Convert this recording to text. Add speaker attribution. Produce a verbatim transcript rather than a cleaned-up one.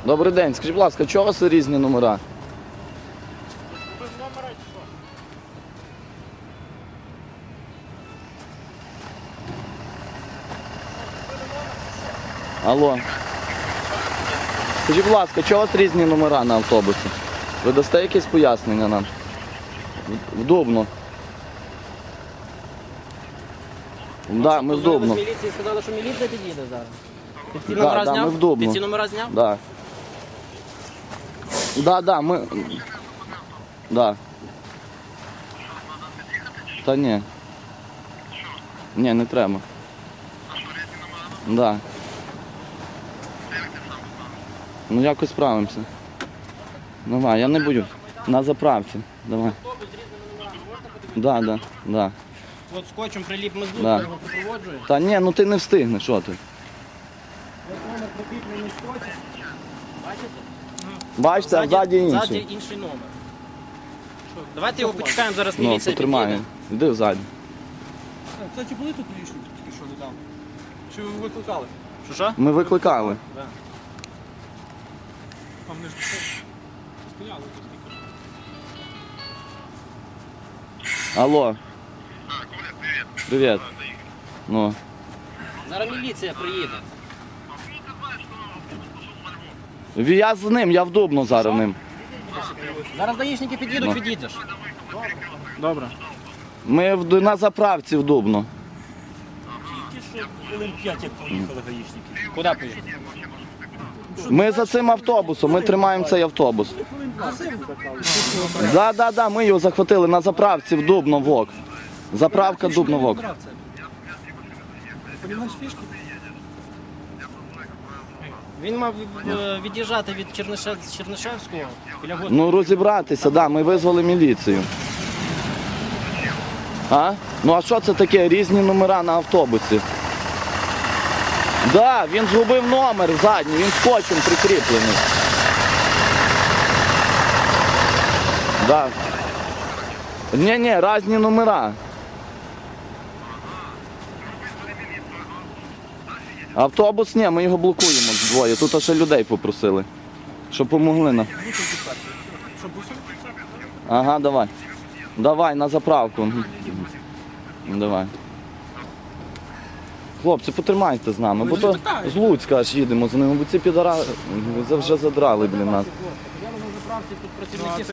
Speaker 1: Добрий день, скажіть, будь ласка, чого у вас різні номера?
Speaker 2: Без номера чи що?
Speaker 1: Алло. Скажіть, будь ласка, чого у вас різні номера на автобусі? Ви дасте якесь пояснення нам? В- В Дубно. Так, да, ми в Дубно.
Speaker 3: З міліції сказали, що міліція під'їде зараз. Ти ці
Speaker 1: Да,
Speaker 3: номера
Speaker 1: да,
Speaker 3: зняв?
Speaker 1: ми в Дубно.
Speaker 3: Ти ці номера зняв?
Speaker 1: Да. Да, да, ми... Да. Та ні. Ні, не треба. Да. Ну якось справимося. Давай, я не буду. На заправці. Давай. Да, да, да.
Speaker 3: От скотчем приліп ми з
Speaker 1: Да.
Speaker 3: його супроводжує.
Speaker 1: Та ні, ну ти не встигнеш, що ти?
Speaker 3: Ось номер прикріплений скотчем. Бачите?
Speaker 1: Бачите, а ззаді
Speaker 3: Ззаді
Speaker 1: інший.
Speaker 3: інший номер. Що, давайте його почекаємо, зараз
Speaker 1: Ну,
Speaker 3: міліція
Speaker 1: потримає.
Speaker 3: під'їде.
Speaker 1: Іди ззаді.
Speaker 2: Кстати, були тут гаїшники тільки що недавно? Чи ви викликали?
Speaker 3: Що, що?
Speaker 1: Ми викликали.
Speaker 3: Да.
Speaker 2: Там не ж стояли тут тільки.
Speaker 1: Алло. Привіт. Ну.
Speaker 3: Зараз міліція приїде.
Speaker 1: Я з ним, я в Дубно зараз ним.
Speaker 3: Зараз даїшники під'їдуть,
Speaker 1: Ну.
Speaker 3: підійдеш.
Speaker 2: Добре.
Speaker 1: Ми в, на заправці в Дубно.
Speaker 4: Тільки що хвилин п'ять, як поїхали гаїшники.
Speaker 3: Куди поїдеш?
Speaker 1: Ми за цим автобусом, ми тримаємо цей автобус. Да, да, да, ми його захватили на заправці в Дубно ВОК. Заправка Дубно ВОК.
Speaker 2: Понімаєш фішки?
Speaker 3: Він мав е, від'їжджати від Чернишев... з Чернишевського біля госпіталю.
Speaker 1: Ну розібратися, да, ми визвали міліцію. А? Ну а що це таке? Різні номера на автобусі. Да, він згубив номер задній, він скотчем прикріплений. Да. Ні-ні, різні номера. Автобус ні, ми його блокуємо двоє. Тут ще людей попросили, щоб помогли нам.
Speaker 2: Що, бусин?
Speaker 1: Ага, давай. Давай на заправку. Давай. Хлопці, потримайте з нами, бо то з Луцька аж їдемо з ними, бо ці підара вже задрали, блін, нас.
Speaker 3: Я на заправці тут працівники